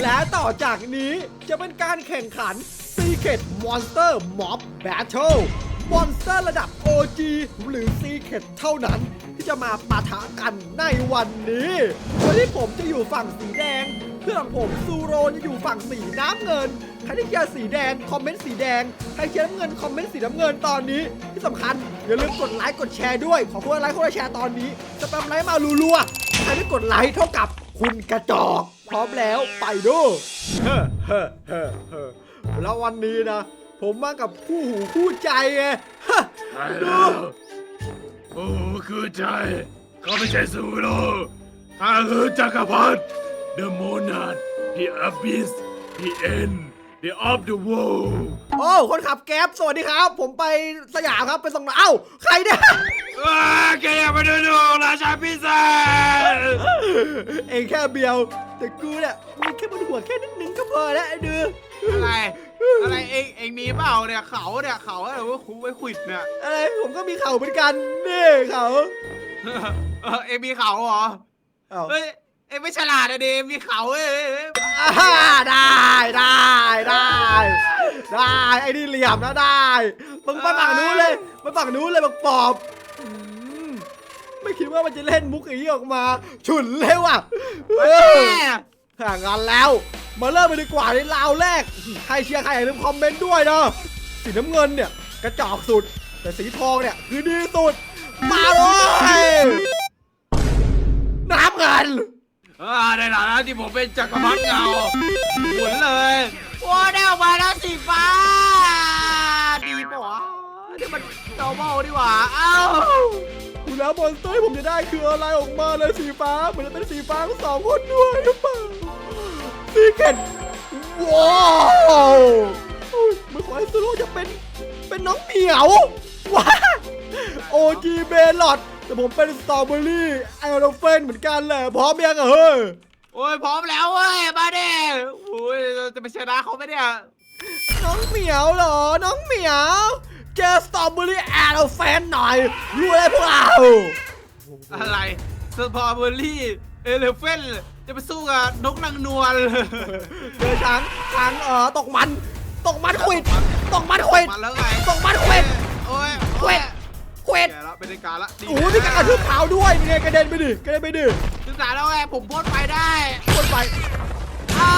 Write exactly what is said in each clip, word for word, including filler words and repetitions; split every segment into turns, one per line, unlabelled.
และต่อจากนี้จะเป็นการแข่งขัน Secret Monster Mob Battle มอนสเตอร์ระดับ โอ จี หรือ Secret เท่านั้นที่จะมาปะทะกันในวันนี้โดยที่ผมจะอยู่ฝั่งสีแดงเพื่อนผมซูโรจะอยู่ฝั่งสีน้ำเงินใครที่เชียร์สีแดงคอมเมนต์สีแดงใครเชียร์น้ำเงินคอมเมนต์สีน้ำเงินตอนนี้ที่สำคัญอย่าลืมกดไลค์กดแชร์ด้วยขอคนละไลค์คนละแชร์ตอนนี้สแปมไลค์มารัวๆใครที่กดไลค์เท่ากับคุณกระจอกพร้อมแล้วไปดูเฮ้เฮ้เฮ้เฮ้แล้ววันนี้นะผมมากับคู่หูคู่ใจไงดู
โอ้คือใจเขาไม่ใช่ซูโร่ข้าคือจักรพรรดิ The Monarch The Abyss The End The of the World
โอ้คนขับแก๊ปสวัสดีครับผมไปสยามครับไปส่งเอ้าใครเนี่ย
ว้าแกอยากมาดูดูราชาพิเศษ
เองแค่เบียวแต่กูเนี่ยมีแค่บนหัวแค่นิดนึงก็พอแล้วไอ้ดื้อ
อะไรอะไรเองเองมีเปล่าเนี่ยเขาเนี่ยเขาอะไรว่าคุ้ไว้ขวิดเนี่ย
อะไรผมก็มีเข่าเหมือนกันนี่เข่า
เออเองมีเขาเหรอ
เอ้า
เฮ้ยเองไม่ฉลาดอะดิมีเขาเอ้ย
อ่าได้ได้ได้ได้ไอ้นี่เหลี่ยมนะได้มึงไปฝั่งนู้นเลยไปฝั่งนู้นเลยบักปอบอืมไม่คิดว่ามันจะเล่นมุกอย่างนี้ออกมาฉุนเลยว่ะเออห่างกันแล้วมาเริ่มไปดีกว่าในราวแรกใครเชียร์ใครอย่าลืมคอมเมนต์ด้วยนะสีน้ำเงินเนี่ยกระจอกสุดแต่สีทองเนี่ยคือดีสุดมาเลยน้ำเงิน
อ่าในฐานะที่ผมเป็นจักรพรรดิเงาหมุนเลยโอ้ได้ออกมาแล้วสีฟ้าดีปะวะนี่มันดอร์มอลดีกว่าเอ้า
ดูแล้วมอนสเตอร์ที่ผมจะได้คืออะไรออกมาเลยสีฟ้าเหมือนจะเป็นสีฟ้าทั้งสองคนด้วยหรือเปล่าซีเกตว้าวเมื่อขอให้ซูโร่จะเป็นเป็นน้องเหมียวว้าโอจีเบลอดแต่ผมเป็นสตรอเบอรี่ไอโรเฟนเหมือนกันแหละพร้อมยังอะเฮ้ย
โอ้ยพร้อมแล้วเว้ยมาเด้โอ้ยจะไปชนะเขาไหมเนี่ย
น้องเหมียวเหรอน้องเหมียวเจอสตรอเบอรี่ไอโรเฟนหน่อยรู้อะไรพวกเรา
อะไรสตรอเบอรี่เอเลฟเฟนจะไปสู้กับนกนางนวล
เจอช้างช้างเอ่อตกมันตกมันควิดตกมันควิด
มาแล้วไง
ตกมันควิด
โอ้ย
ควิดควิด
แกแล้วเป็นการละ
โอ้โหมีการกระทืบเท้าด้วยเป็นไงกระเด็นไปดิกระเด็นไปดิ
ศึกษาแล้วไงผมพ่นไฟได้
พ่นไฟ
อ้าว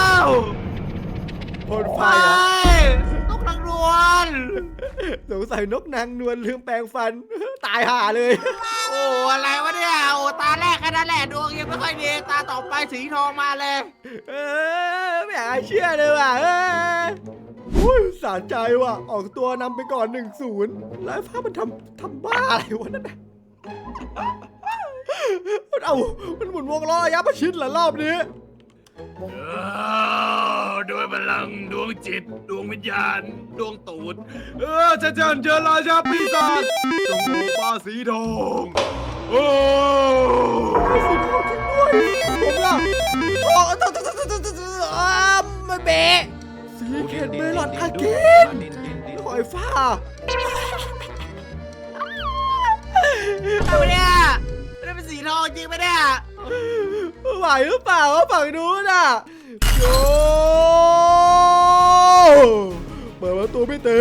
พ่นไฟ
ไฟ
อ่ะ
นกนางนวล
สงสัยนกนางนวลลืมแปรงฟัน ตายห่าเลย
โอ้อะไรวะเนี่ยโอ้ตาแรกแค่นั้นแหละดวงยังไม่ค่อยดีตาต่อไปสีทองมาเลย
เออไม่อยากเชื่อเลยว่ะเอออุ้ยสารใจว่ะออกตัวนำไปก่อนหนึ่งศูนย์แล้วฟ้ามันทำทำบ้าอะไรวะนั่นน่ะมันเอามันหมุนวงล้อระยะประชิดเหรอรอบนี้
ด้วยพลังดวงจิตดวงวิญญาณดวงตูดเออจะเจิญเจอราชาปีศาจจงโลปาสีทองโอ้
สีทองจริงด้วยผมล่ะทองต้องต้องต้องต้องต้องอ่ามันเบะสีเกตเมลอนอาเกนหอยฟ้า
เอาเนี่ยไม่ได้เป็นสีทองจริงไหมเนี่ย
ไหวหรือเปล่าวะฝั่งนู้นอ่ะโยเปิดประตูไม่เตะ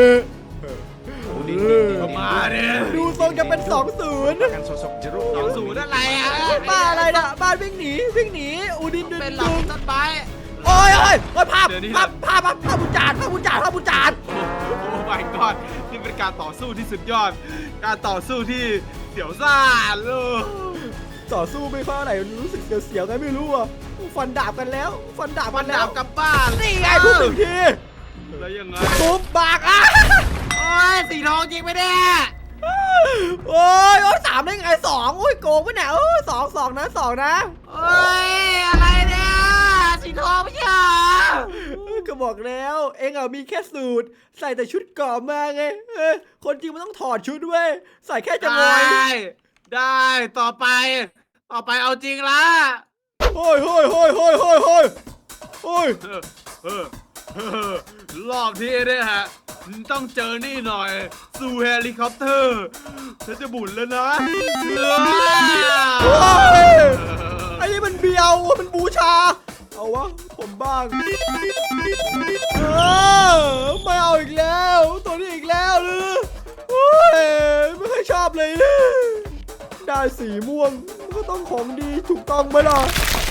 มาเนี่ย
ดูทรงจะเป็นสองศูนย์
สองศูนย์อะไรอ่ะ
บ้านอะไรน่ะบ้านวิ่งหนีวิ่งหนีอูดินดึง
เป็นหลั
ดึ
ง
ง
ต้นไม้
โอ้ยโอ้ยโอ้ยภาพ
เดี๋ยวนี้
ภาพภาพภาพภาพบุญจารภาพบุญจารภาพบุญจาร
โอ้ my god นี่เป็นการต่อสู้ที่สุดยอด การต่อสู้ที่เสียวซ่านเลย
ต่อสู้ไม่เข้าไหนรู้สึกเสียวๆกันไม่รู้อ่ะฟันดาบกันแล้วฟันดาบ
มั
กัน นแล้
ดาว บกลับบ้าน
นี่ไงทุบหนึ่งที
แล้วยังไง
ทุบบากอ่ะ
โอ้ยสีทองจริงไหมเนี่ย
โอ้ยโอ้ยสามได้ไงสองโอ้ยโกงไปไหนโอ้ยสองสองนะสองนะ
โอ้ยอะไรเนี่ยสีทองไม่ใช่เหรอ
ก็บอกแล้วเองอ่ะมีแค่สูตรใส่แต่ชุดเกราะมาไงเออคนจริงมันต้องถอดชุดเว้ยใส่แค่จะงอย
ได้ได้ต่อไป ต่อไปเอาจริงละ
โอ้ยโอ้ยโอ้ยโอ้ยโอ้ยโอ้ยโอ้ย
เออเออเออรอบที่เนี่ยฮะต้องเจอนี่หน่อยสู่เฮลิคอปเตอร์ฉันจะบุญแล้วนะเออ
โอ้ยไอ้นี่มันเบียวมันบูชาเอาเอาวะผมบ้างเออไม่เอาอีกแล้วตัวนี้อีกแล้วหรือโอ้ยไม่ค่อยชอบเลยนะได้สีม่วงก็ต้องของดีถูกต้องไหมล่ะ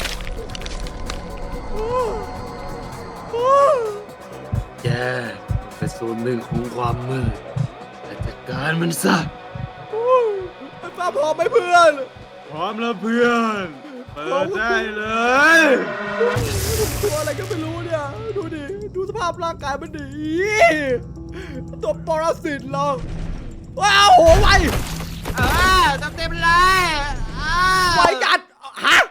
โอ้โอ้
แกเป็นส่วนหนึ่งของความมืดแต่จัดการมันซะ
โอ้ไอ้ป้าพร้อมไหมเพื่อน
พร้อมแล้วเพื่อนเปิดได้เลย
ตัวอะไรก็ไม่รู้เนี่ยดูดิดูสภาพร่างกายมันดีตัวปรสิตเหรอว้าวโหไว
เออเต็มๆเลยอ้าว
ไวจัดฮะ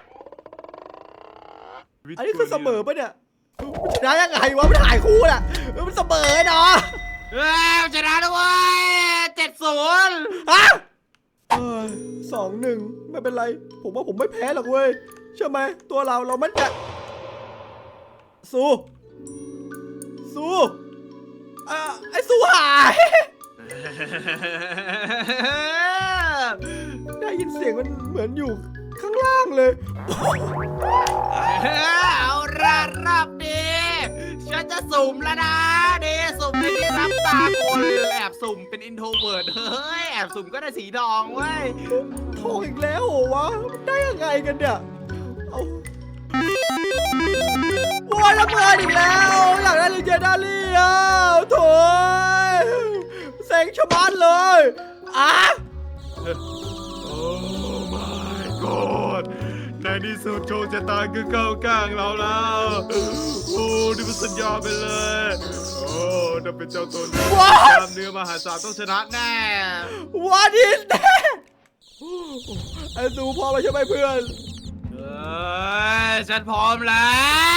อันนี้คือเสมอปะเนี่ยมันชนะยังไงวะมันถ่ายคู่น่ะมันเสมอเนาะ
เฮ้ยชนะด้วยเจ็ดศูนย์
ฮะสองหนึ่งไม่เป็นไรผมว่าผมไม่แพ้หรอกเว้ยใช่ไหมตัวเราเรามันจะสู้สู้อ่ะไอ้สู้หายได้ยินเสียงมันเหมือนอยู่ข้างล่างเลย
เอาละรอบนี้ฉันจะสุ่มแล้วนะนี่สุ่มในที่รับตาคนแอบสุ่มเป็นอินโทรเวิร์ดเฮ้ยแอบสุ่มก็ได้สีทองเว้ย
ทองอีกแล้วเหรอวะมันได้ยังไงกันเนี่ยเอาโว้ยระเบิดอีกแล้วอยากได้ลิเจนดารี่อ่ะโถ่เซ็งชะมัดเลยอ่ะ
โอ้ my god ในที่สุดโชคชะตาคือเข้าข้างเราแล้วโอ้นี่มันสัญญาไปเลยโอ้ถ้าเป็นเจ้าตัวนี้ตามเนื้อมหาศาลต้องชนะแน่
What is that ไอ้ซูพอแล้วใช่ไหมเพื่อน
เอ้ยฉันพร้อมแล้ว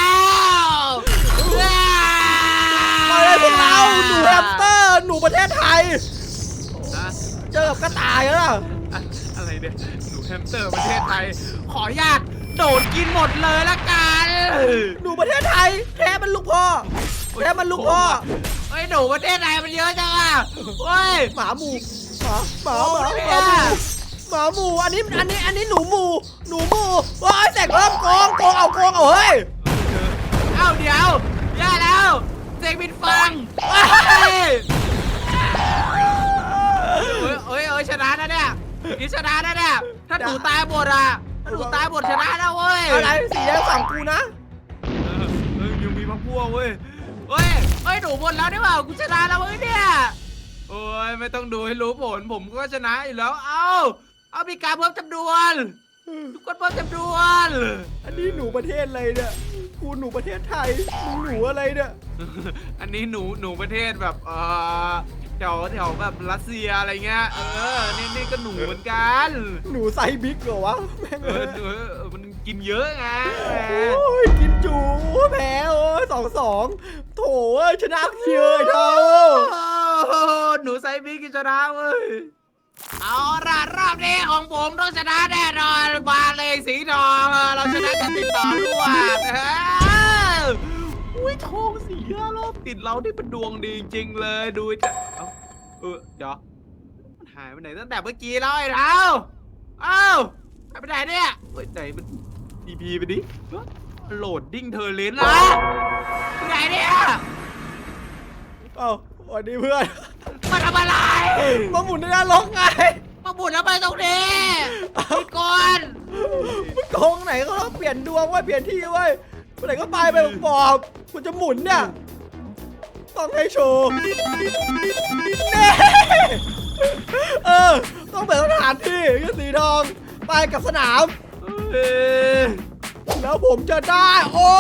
ไปเลยพวกเราหนูแฮมสเตอร์หนูประเทศไทย
นะ
เจอกับกระต่ายแล้วล่ะ
อะอะไรเนี่ยหนูแฮมสเตอร์ประเทศไทย ขออนุญาตโดดกินหมดเลยละกัน
หนูประเทศไทยแท้มันลูกพ่อแท้มันลูกพ่อ
เฮ้ยหนูประเทศไทยมันเยอะจังอ่ะเฮ้ย
หมาหมูหมาหมาหมา
โอ้
ห
ย
มาหมูหมาหมูอันนี้อันนี้อันนี้หนูหมูหนูหมูว้ายแสกเริ่มโกงโกงเอาโกงเอาเฮ้ย
เอ้าเดี๋ยวย่าแล้วเซ็งบินฟังเฮ้ยเฮ้ยเฮ้ยเฮ้ยชนะนะเนี่ยนี่ชนะนะเนี่ยถ้าหนูตายหมดอ่ะถ้าหนูตายหมดชนะนะเว้ย
อะไรสีแดงฝั่งกูนะ
เออเออยังมีพักพวกเว้ยเฮ้ยเฮ้ยหนูหมดแล้วนี่เปล่ากูชนะแล้วเว้ยเนี่ยโอ้ยไม่ต้องดูให้รู้ผลผมก็ชนะอยู่แล้วเอ้าเอามีการเพิ่มจำนวนทุกคนเพิ่มจำนวน
อันนี้หนูประเทศอะไรเนี่ยกูหนูประเทศไทยมึงหนูอะไรเนี่ย
อันนี้หนูหนูประเทศแบบเออแถวแถวแบบรัสเซียอะไรเงี้ยเออนี่นี่ก็หนูเหมือนกัน
หนูไซส์บิ๊กเหรอวะแม่ง
เอ
เอ้
อย หนูเออมันกินเยอะไง
โอ้ยกินจูแพ้โอ้ยสองสองโถเอ้ยชนะเยอะไอ้เท่า
โอ้หนูไซบีกินชนะเว้ยเอาละรอบนี้ของผมต้องชนะแน่นอนมาเลยสีทองเราชนะกันติดต่อรวดนะฮะอุ้ยทองสีห้ารอบติดเราได้เป็นดวงดีจริงๆเลยดูจะเอ้าเออเดี๋ยวมันหายไปไหนตั้งแต่เมื่อกี้แล้วไอ้เท้าเอ้าหายไปไหนเนี่ยเฮ้ยไหนมันดีพีไปดิโหลดดิ้งเทอร์เลนนะไปไหนเนี่ย
เอ้าสวัสดีเพื่อน
มาทำอะไร
มาหมุนในนรกไง
มาบุญแล้วไปตรงนี้พี่ก่อน
มึงโกงไหนก็ต้องเปลี่ยนดวงไว้เปลี่ยนที่ไว้ไปไหนก็ไปไปบอกคุณจะหมุนเนี่ยต้องให้โชว์เน่เออต้องเปิดสถานที่ก็สีทองไปกับสนาม
เอ้ย
แล้วผมจะได้โอ้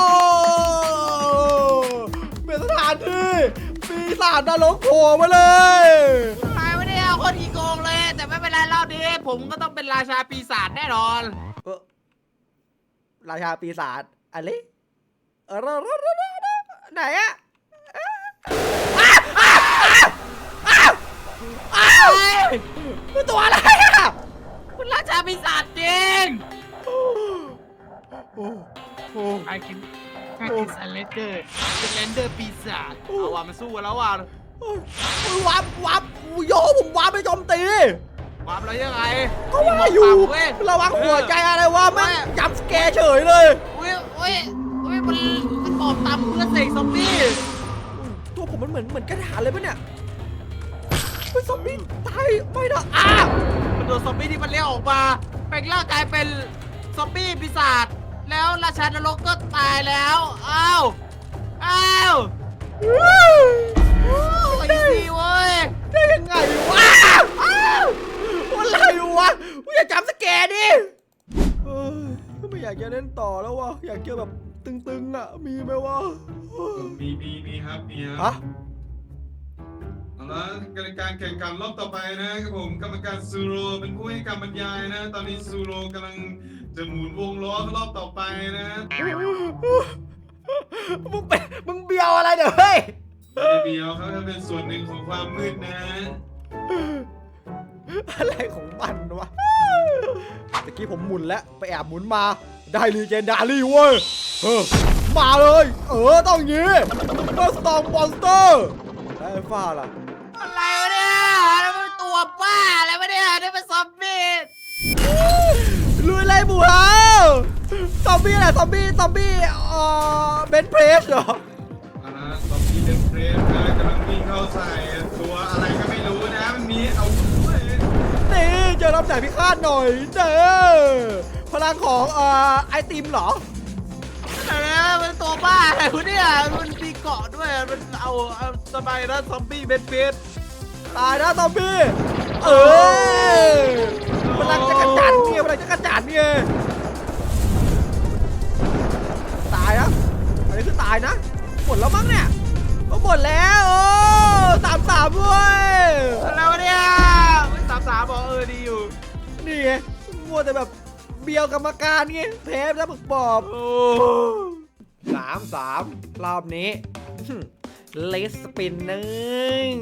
เป็นสถานที่ปีศาจนรกโผล่มาเลย
หายไปเนี่ยคนอีโกงเลย แต่ไม่เป็นไรรอบนี้ผมก็ต้องเป็นราชาปีศาจแน่นอน
เออราชาปีศาจอะไรเออไหนอะอ้าวเป็นตัวอะไรอะ
คุณราชาปีศาจจริง
โอ้โห
ไอ้กินไอ้กินสเลนเดอร์สเลนเดอร์ปีศาจเอาว่ะมันสู้กันแล้วว่ะ
วับวับโยผมวับไปโจมตี
ความแล้วยังไง
ก็ว่าอยู่
เว้ย
ระวังหัวใจอะไรวะแม่งจับสแกร์เฉยเลย
อุ้ยอุ้ยมันกระบอกตำเพื่อเสกซอมบี้
ตัวผมมันเหมือนเหมือนกระดาษเลยปะเนี่ยเฮ้ยซอมบี้ตายไม่นะอ้า
มันโดนซอมบี้ที่มันเลี้ยงออกมาแปลงร่างกายเป็นซอมบี้ปีศาจแล้วราชานรกก็ตายแล้วอ้าวอ้าวโอ้ยดีเว้ย
ได้ยังไงวะอ้าวอะไรวะกูอย่าจำสแกนดิเออไม่อยากจะเล่นต่อแล้ววะอยากเจอแบบตึงๆอ่ะมีไหมวะ
มีมีมีครับมีค
ฮะ
รับเอาละการแข่งขันรอบต่อไปนะครับผมกรรมการซูโรเป็นผู้ให้การบรรยายนะ ตอนนี้ซูโรกำลังจะหมุนวงล้อรอบต่อไปนะ
มึงเป็นมึงเบียวอะไรเด้อเฮ้ย
เดียวเขาจะเป็นส่วนหนึ่งของความมืดนะ
อะไรของมันวะตะกี้ผมหมุนแล้วไปแอบหมุนมาได้รีเจนดารี่เว้ยเออมาเลยเออต้องอย่างงี้เฟิร์สตอมมอนสเตอร์ไอ้ฟ้าล่ะ
อะไรวะเนี่ยแล้วมันตัวบ้าอะไรวะเนี่ยนี่เป็นซอมบี้
ลุยเลยหมูเฮาซอมบี้อะไรซอมบี้ซอมบี้เอ่อเบนเพรสเหรอ
เอาละซอมบี้เดนเพรสนะกำลังวิ่งเข้าใส่ตัวอะไรก็ไม่รู้นะมันมีเอาเว้ย
นี่เจอรับแสงพิฆาตหน่อยเด้อพลังของเอ่อไอติมเหรอ
อะไรนะมันตัวบ้าอะไรวะเนี่ยมันมีเกาะด้วยมันเอาเอาสบายนะซอมบี้เบนเฟส
ตายนะซอมบี้เออพลังจะกระจัดเนี่ยพลังจะกระจัดเนี่ยตายนะอันนี้คือตายนะหมดแล้วมั้งเนี่ยก็หมดแล้วโอ้สามสามด้วย
อะไรวะเนี่ยสามสามบอกเออดีอยู่
นี่ไงมัวแต่แบบเบียวกรรมการไงแพ้แล้วบึกบอบ
โอ้
สามสามรอบนี้เลสสปินนึง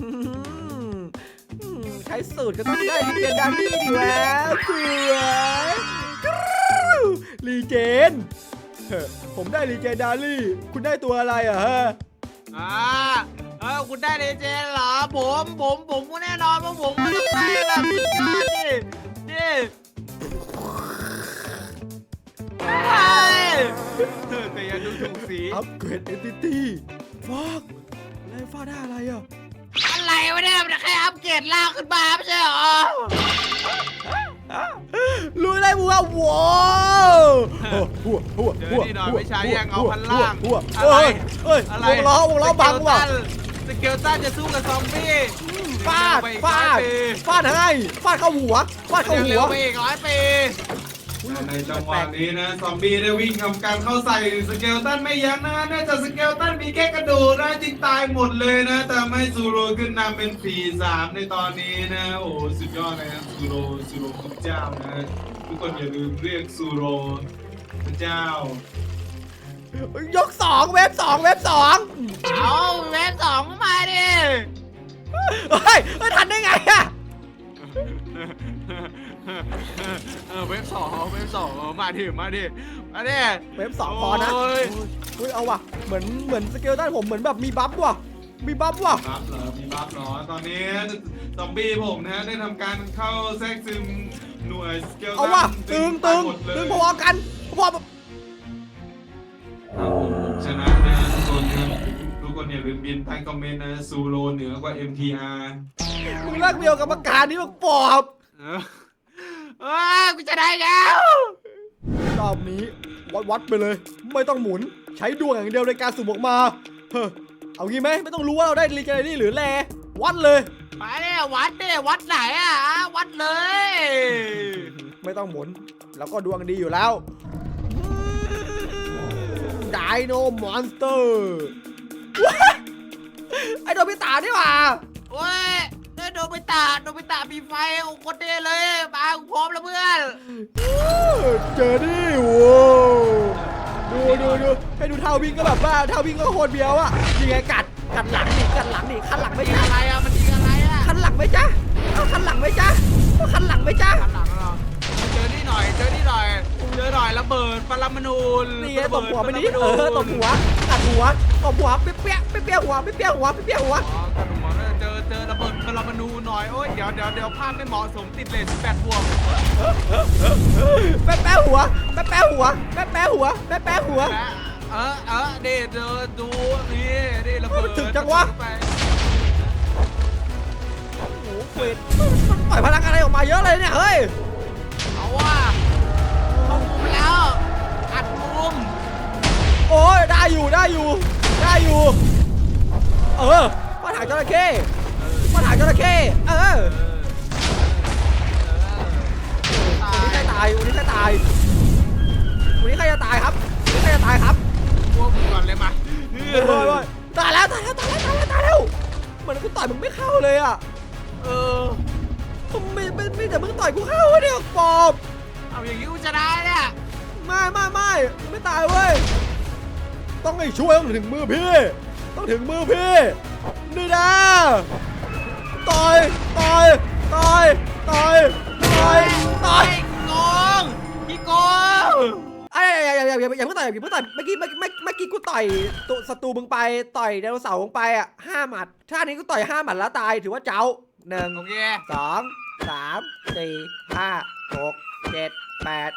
ใช้สูตรก็ต้องได้ลีเจนดารี่ดีแล้วสวยกรู๊วลีเจนเฮ้อผมได้ลีเจนดารี่คุณได้ตัวอะไรอ่ะฮะ
อ่าเออคุณได้เลเจนด์เหรอผมผมผมก็แน่นอนว่าผมก็ต้องได้แบบสุดยอดดินี่ใช่แต่อยังดูถูกสี
อัปเกรดเอนติตี้ฟอกไล่ฟ้าได้อะไรอ่ะ
อะไรวะเนี่ยมันแค่อัปเกรดล่างขึ้นมาไม่ใช่เหรอ
ลุยเลยบัวว้าวหัวหัว
เจอ
หัว
นี่หน่อยไม่ใช่ยังเอาพันล่าง
หัว
อะไร
เอ้ยเอ้ย
อะไร
วงล้อวงล้อบังว่ะ
สเกลตันจะสู้กับซอมบี้
ฟาดฟาดฟาดให้ฟาดเข้าหัวฟาดเข้า
เร็
หั
ว
ว
ไปอีกร้อยปี
ในจังหวะนี้นะซอมบี้ได้วิ่งทำการเข้าใส่สเกลตันไม่ยั้งนะเนื่องจากสเกลตันมีแค่กระดูกนะจึงตายหมดเลยนะแต่ไม่ซูโรขึ้นนำเป็นสี่สามในตอนนี้นะโอ้สุดยอดนะครับซูโรซูโรคือเจ้านะทุกคนอย่าลืมเรียกซูโรพระเจ้า
ยกสองเว็บสองเว็บสอง
เอาเวฟสองมาดิ
เฮ้ยเฮ้ยทันได้ไงอะ
เออเวฟสองเวฟสองมาดิมาดิมาดิ
เว็บสองพอนะ
โอ้ย
เฮ้ยเอาว่ะเหมือนเหมือนสเกลตันผมเหมือนแบบมีบัฟว่ะมีบัฟว่ะ
บัฟเหรอมีบัฟเหรอตอนนี้ซอมบี้ผมนะได้ทำการเข้าแทรกซึมหน่วยสเกลตัน
เอาว่ะตึงตึง
หมดเลย
ตึงพอกันพอ
ครับผมชนะนะทุกคนครับทุกคนอย่าลืมบินใต้คอมเมนต์นะซูโรเหนือกว่า เอ็ม ที อาร์
มึงเลิกเบียวกรรมการนี่มึงปอบ
เออเออกูจะได้แล้ว
รอบนี้วัดวัดไปเลย ไม่ต้องหมุนใช้ดวงอย่างเดียวในการสุ่มออกมาเฮ้อเอางี้ไหมไม่ต้องรู้ว่าเราได้รีเจนนี่หรือแลวัดเลย
มาเนี่ยวัดเนี่ยวัดไหนอ่ะวัดเลย
ไม่ต้องหมุนแล้วก็ดวงดีอยู่แล้วไดโนมอนสเตอร์ไอโดมิตานี่หว่า
โอ้ยได้โดบิตะโดบิตะมีไฟโอ้โคตรเท่เลยมากูพร้อมแล้วเพื่อน
เจอดิโว้ดูดูดูให้ดูเท้าวิ่งก็แบบว่าเท้าวิ่งก็โคตรเบียวอ่ะยังไงกัดกัดหลังดิกัดหลังดิคันหลัง
มั
ไม่
นยิง
จ้า
อะไรอ่ะมันยิงอะไรอ่ะ
คันหลังไหมจ๊ะเอาคันหลังไหมจ๊ะเอาคันหลังไหมจ๊ะ
ข้างหลังเหรอเจอนี่หน่อยเจอนี่หน่อยเจอหน่อยระเบิดปรมาณู
นี่ไงตบหัวไปนี้เออตบหัวกัดหัวตบหัวเปี้ยเปี้ยเปี้ยเปี้ยหัวเปี้ยเปี้ยหัวเปี้ยเปี้ยหัว
อ๋อกระดูกหมอเนี่ยเจอเจอระเบิดปรมาณูหน่อยโอ้ยเดี๋ยวเดี๋ยวเดี๋ยวภาพไม่เหมาะสมติดเลทสิบแปดบวก
แป๊ะแป๊ะหัวแป๊ะแป๊ะหัวแป๊ะแป๊ะหัวแป๊ะแป๊ะหัว
และออเออเด็ดเดินดูนี่นี่ระเบิด
ถึงจังวะ
ไป
โอ้โหเฟดมันปล่อยพลังอะไรออกมาเยอะเลยเนี่ยเฮ้ย
เอาว่ะเข้ามุมแล้วอัดมุม
โอ้ยได้อยู่ได้อยู่ได้อยู่เออมาถางจระเข้มาถางจระเข้เออวันนี้ใครตายวันนี้ใครตายวันนี้ใครจะตายครับวันนี้ใครจะตายครับ
พวกมึงก่อนเลยมา
โอ้ยโอ้ยโอ้ยตายแล้วตายแล้วตายแล้วตายแล้วตายแล้วเหมือนกูต่อยมึงไม่เข้าเลยอ่ะ
เออ
ไม่ไม่ไม่แต่มึงต่อยกูเข้าวะเนี่ยปอบ
เอาอย่างนี้กูจะได้เนี่ย
ไม่ไม่ไม่ไม่ตายเว้ยต้องให้ช่วยต้องถึงมือพี่ต้องถึงมือพี่นี่นะต่อยต่อยต่อยต่อยต่อยต่อย
โกงพี่โกง
ไอ้อย่าอย่าอย่าอย่าอย่าเพิ่งต่อยอย่าเพิ่งต่อยเมื่อกี้เมื่อกี้เมื่อกี้กูต่อยตัวศัตรูมึงไปต่อยไดโนเสาร์มึงไปอ่ะห้าหมัดท่านี้กูต่อยห้าหมัดแล้วตายถือว่าเจ้าหนึ่ง
โอเค
สองสามสี่ห้าหกเจ็ดแปด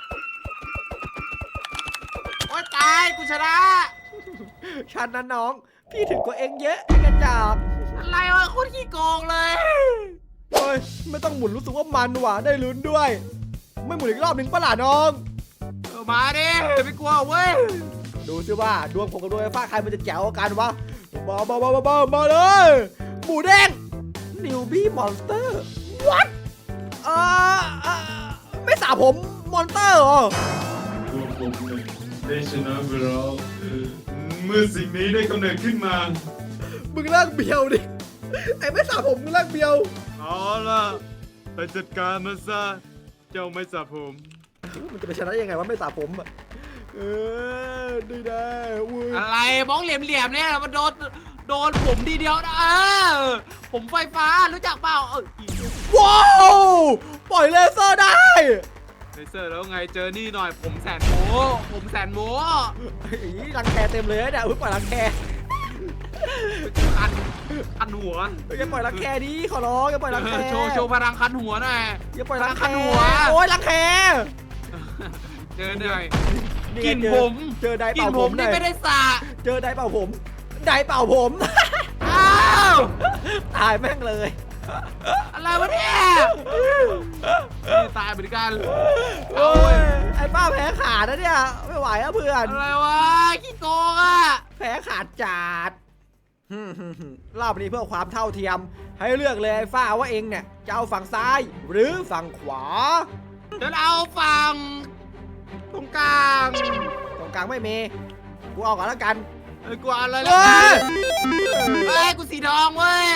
โอ๊ยตายกูชนะ
ฉันนั้นน้องพี่ถึงกว่าเองเยอะไอ้กระจอก
อะไรวะโคตรขี้โกงเลย
เฮ้ยไม่ต้องหมุนรู้สึกว่ามันว่ะได้ลุ้นด้วย ไม่หมุนอีกรอบหนึ่งปะล่ะน้อง
เออมาดิไม่กลัวเว้ย
ดูซิว่าดวงผมกับดวงไฟฟ้าใครมันจะแจ๋วกว่ากันวะมามามามามามาเลยหมูแดงนิวบี้มอนสเตอร์วัดเอ่อเอ่อไม่สาผมมอนสเตอร์เหรอ
ตัวผมเนี่ยได้ชนะไปแล้วเมื่อสิ่งนี้ได้กำเนิดขึ้นมา
มึงเลิกเบียวดิไอ้ไม่สาผมมึงเลิกเบียว
เอาล่ะไปจัดการมันซะเจ้าไม่สระผม
มันจะไปชนะยังไงวะไม่สาผมอะเออได้ได้อุ้ย
อะไรบ้องเหลี่ยมๆเนี่ยมันโดนโดนผมทีเดียวนะเออผมไฟฟ้ารู้จักเปล่าเออ
ว้าวปล่อยเลเซอร์ได้
เลเซอร์แล้วไงเจอนี่หน่อยผมแสนโมผมแสนโม
อีรังแคเต็มเลยเนี่ยอุ้ยปล่อยรังแค
คันคันหัว
อย่าปล่อยรังแคดิขอร้องอย่าปล่อยรังแค
โชว์โชว์พลังคันหัวหน่อย
อย่าปล่อยรังแค
คันหัว
โอ้ยรังแค
เจอหน่อย
นี่
กิ
ไง
น
เจอ
ผม
เจอได
กิ
เป่าน ผ
ผม ม
หน่
นี่
อย
ไม่ได้สระ
เจอไดเป่าผมไดเป่าผม
อ้าว
ตายแม่งเลย
อะไรวะเนี่ยนี่ตายเหมือนกัน
โอ้ยไอ้ป้าแพ้ขาดนะเนี่ยไม่ไหวอะเพื่อน
อะไรวะขี้โกงอ่ะ
แพ้ขาดจัดฮึ่มฮึ่มฮึ่มรอบนี้เพื่อความเท่าเทียม ให้เลือกเลยไอ้ฟ้าว่าเองเนี่ยจะเอาฝั่งซ้ายหรือฝั่งขวา
เดี๋ยวเอาฝั่งตรงกลาง
ตรงกลางไม่มีกูเอาก่อนแล้วกัน
เอ้ยกูเอาอะไร
เฮ้
แล้ว
ย
เฮ้ยกูสีทองเว้ย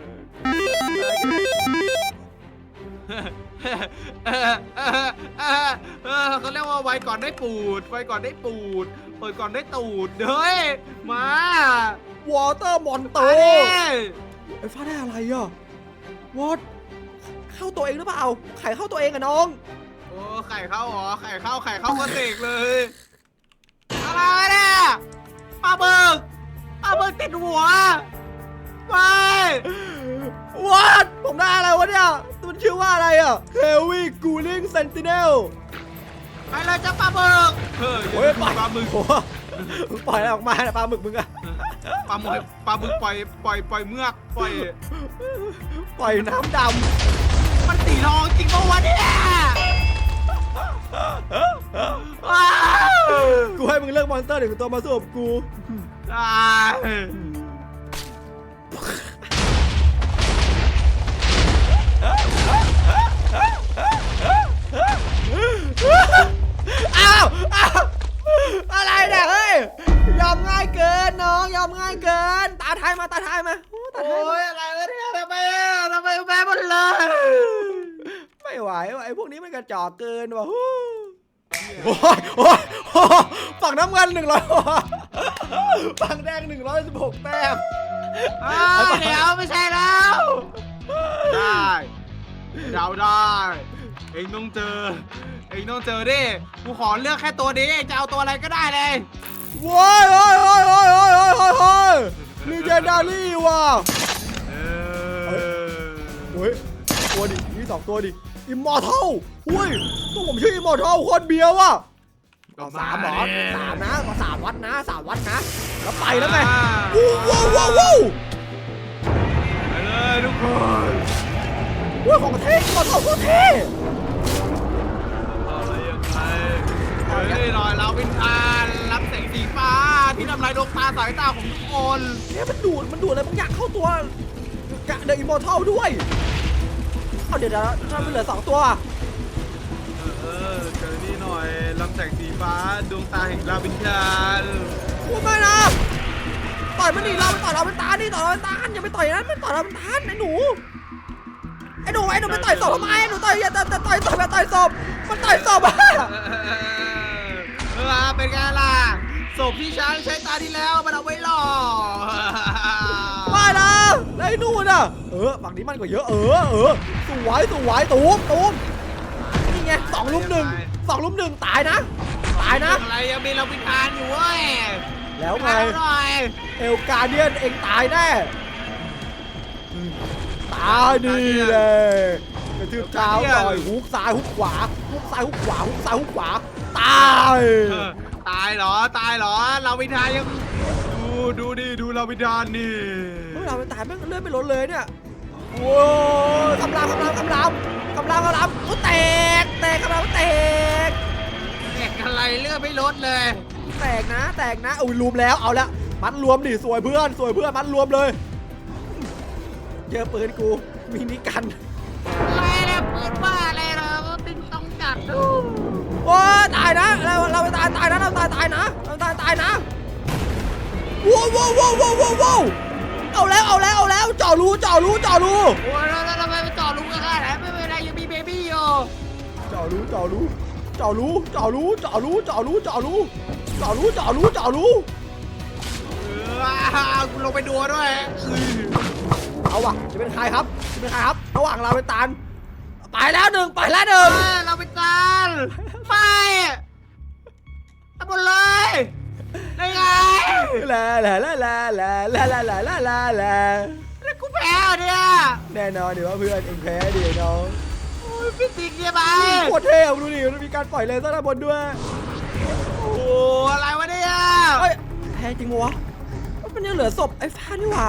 เออเออเออเออเขาเรียกว่าไวก่อนได้ปูดไวก่อนได้ปูดเปิดก่อนได้ตูดเฮ้ยมาว
อเตอร์มอนโต
มาดิ
ไอ้ฟ้าได้อะไรอ่ะวอตเข้าตัวเองหรือเปล่าไข่เข้าตัวเองอะน้อง
โอ้ไข่เข้าเหรอไข่เข้าไข่เข้าก็เสกเลยอะไรเนี่ยปลาเบิกปลาเบิกติดหัวไป
วอตผมได้อะไรวะเนี่ยมันชื่อว่าอะไรอ่ะ Heavy Cooling Sentinel
ไปเลยจ้าปลาเบิกเฮ้ย
โอ้ยปล่อย
ปลาหมึก
โอ้โหปล่อยอะไรออกมาเนี่ยปลาหมึกมึงอะ
ปลาหมึกปลาหมึกปล่อยปล่อยปล่อยเมือกปล่อย
ปล่อยน้ำด
มันสีทองจริงปะวะเนี่ยว้าว
ำกูให้มึงเลือกมอนสเตอร์หนึ่งตัวมาสู้กับกู
ตาย
อ้าวอ้าวอะไรเนี่ยเฮ้ยยอมง่ายเกินน้องยอมง่ายเกินตาไทยมาตาไทยมาโอ้ตาไทย
โอ้
มาย
อะไรวะเนี่ยทำไมอ่ะทำไมแพ้หมดเลย
ไม่ไหวว่ะไอ้พวกนี้มันกระจอกเกินว่ะฮู้โอ้ยโอ้ยโอ้ยฝั่งน้ำเงินหนึ่งร้อยฝั่งแดงหนึ่งร้อยสิบหกแต้ม
อ้าวเดี๋ยวไม่ใช่แล้วได้เดาได้เองต้องเจอเองต้องเจอดิกูขอเลือกแค่ตัวนี้จะเอาตัวอะไรก็ได้เลย
ว้ายโอ้ยโอ้ยโอ้ยโอ้ยโอ้ยโอ้ยโอ้ยลีเจนดารี่ว่ะ
เออ
เฮ้ยตัวดิมีสองตัวดิอิมมอร์ทัลหุ้ยตัวผมชื่ออิมมอร์ทัลโคตรเบียวว่ะ
ก็
สามหมอ
ดิ
สามนะสามวัดนะสามวัดนะ แล้วไปแล้วไง
อ่า
ว้าวว้าวว้าว
ไปเลยทุกคน
ว้าวของเท่กดของเท่
อะไรยังไงเฮ้ยหน่อยเราวินทานรับแสงสีฟ้าที่ทำลายดวงตาสายตาของทุกคน
เนี่ยมันดูดมันดูดอะไรบางอย่างเข้าตัวกะเดอะอิมมอร์ทัลด้วยเอาเดี๋ยวเดี๋ยวทำไมเหลือสองตัว
เออเจอนี่หน่อยลำแสงสีฟ้าดวงตาแห่งลาวินทาน
พูดไม่นะต่อยมันดิเราไปต่อยเราเป็นตาดิต่อยเราเป็นตาอย่าไปต่อยนั้นมันต่อยเราเป็นตาไอ้หนูไอ้หนูไอ้หนูไปต่อยศพทำไมไอ้หนูต่อยอย่าต่อยต่อยศพอย่าต่อยศพมันต่อยศพอะ
เออเป็นไงล่ะศพที่ช้างใช้ตาที่แล้วมันเอาไว้หล่อ
ว่านะไอ้หนูน่ะเออฝั่งนี้มันก็เยอะเออเออสวยสวยตูมตูมนี่ไงสองลุมหนึ่งสองลุมหนึ่งตายนะตายนะ
อะไรยังมีลาวินทานอยู่เว้ย
แล้วไง
เอาหน่อย
เอลกาเดียนเองตายแน่ตายดีเลยกระทืบเท้าหน่อยฮุกซ้ายฮุกขวาฮุกซ้ายฮุกขวาฮุกซ้ายฮุกขวาตาย
เออตายเหรอตายเหรอลาวินทานยังดูดูดิดูลาวินทานนี่
เฮ้ยเราไปตายแม่งเลื่อนไม่ลดเลยเนี่ยโอ้ยคำรามคำรามคำรามคำรามคำรามโอ้แตกแตกคำรามแตก
แตกอะไรเลือดไม่ลดเลย
แตกนะแตกนะอุ้ยรวมแล้วเอาละมัดรวมดิสวยเพื่อนสวยเพื่อนมัดรวมเลยเจอปืนกูมินิกัน
อะไรเนี่ยปืนบ้าอะไรเหรอติงต้องจัดดู
โอ้ยตายนะเราเราไปตายตายนะเราตายตายนะเราตายตายนะว้าวว้าวว้าวว้าวว้าวเอาแล้วเอาแล้วเอาแล้วจ่อรูจ่อรูจ่อรู
โอ้ยแล้วแล้วทำไมไปจ่อลุงกันขนาดนั้นไม่เป็นไรยังมีเบบี้อยู่
จ่อรูจ่อรูจ่อรูจ่อรูจ่อรูจ่อรูจ่อรูจ่อรูจ่อรูจ่อรู
เออกูลงไปดูด้วย
เอาว่ะจะเป็นใครครับจะเป็นใครครับระหว่างเราเป็นตาลไปแล้วหนึ่งไปแล้วหนึ่ง
เออเราไปจานไม่ทำหมดเลยได้ไง
ลาลาลาลาลาลาลาลาลาลาลา
แล้วกูแพ้เหรอเนี่ย
แน่นอนเดี๋ยวว่าเพื่อนเองแพ้ดิน้อง
โอ้ยพี่ติ๊กเนี่ยไป
โคตรเท่ดูดิมันมีการปล่อยเลเซอร์ด้านบนด้วย
โอ้อะไรวะเนี่ย
เฮ้ยแพ้จริงวะมันยังเหลือศพไอ้ฟ้านี่หว่า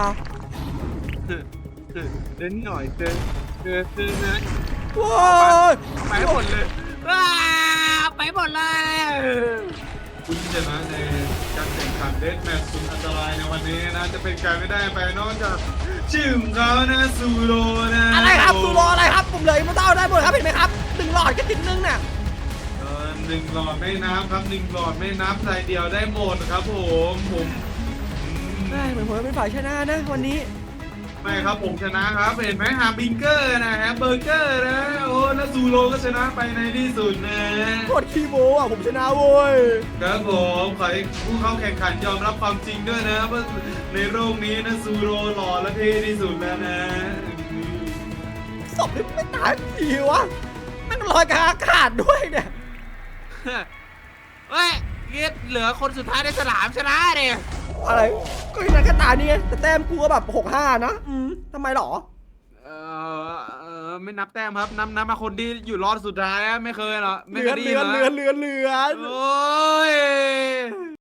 เดินหน่อยเดินเดินเดินนะ
ว้าย
ไปหมดเลยว้าไปหมดเลย
คุณชนะในการแข่งขันเดสแมตช์สุดอันตรายในวันนี้นะจะเป็นการไม่ได้ไปนอกจากชื่อของเขานะซูโรนะ
อะไรครับซูโรอะไรครับผมเหลยมาเต้าได้หมดครับเห็นไหมครับหนึ่งหลอดก็ติดนึงเนี่ย
เออหนึ่งหลอดไม่นับครับหนึ่งหลอดไม่นับใส่เดียวได้หมดครับผมผมอืม
ได้เหมือนผมเป็นฝ่ายชนะนะวันนี้
ไม่ครับผมชนะครับเห็นไหมฮาบิงเกอร์นะแฮมเบอร์เกอร์นะโอ้แล้วซูโรก็ชนะไปในที่สุดนะ
โคตรขี้โม้อ่ะผมชนะโว้ย
ครับผมขอให้ผู้เข้าแข่งขันยอมรับความจริงด้วยนะว่าในโลกนี้นะซูโรหล่อและเท่ที่สุดแล้วนะ
ศพนี่ไม่ตายทีวะนั่งลอยกลางอากาศด้วยเนี่ย
เฮ้ยเกียเหลือคนสุดท้ายในสนามชนะเนี่ย
อะไรก็ยังไงก็ตายนี่ไงแต่แต้มกูก็แบบหกห้านะอืมทำไมหรอ
เออเออไม่นับแต้มครับนับนับมาคนที่อยู่รอดสุดท้ายอะไม่เคยเหรอ
เห
ไม่
ลื
เค
อย น
ได้
เห
ยิ
ลื
น
อน
เหร
เหลือ
อน
เหลือนเหลือนเหลือน
โอ้ย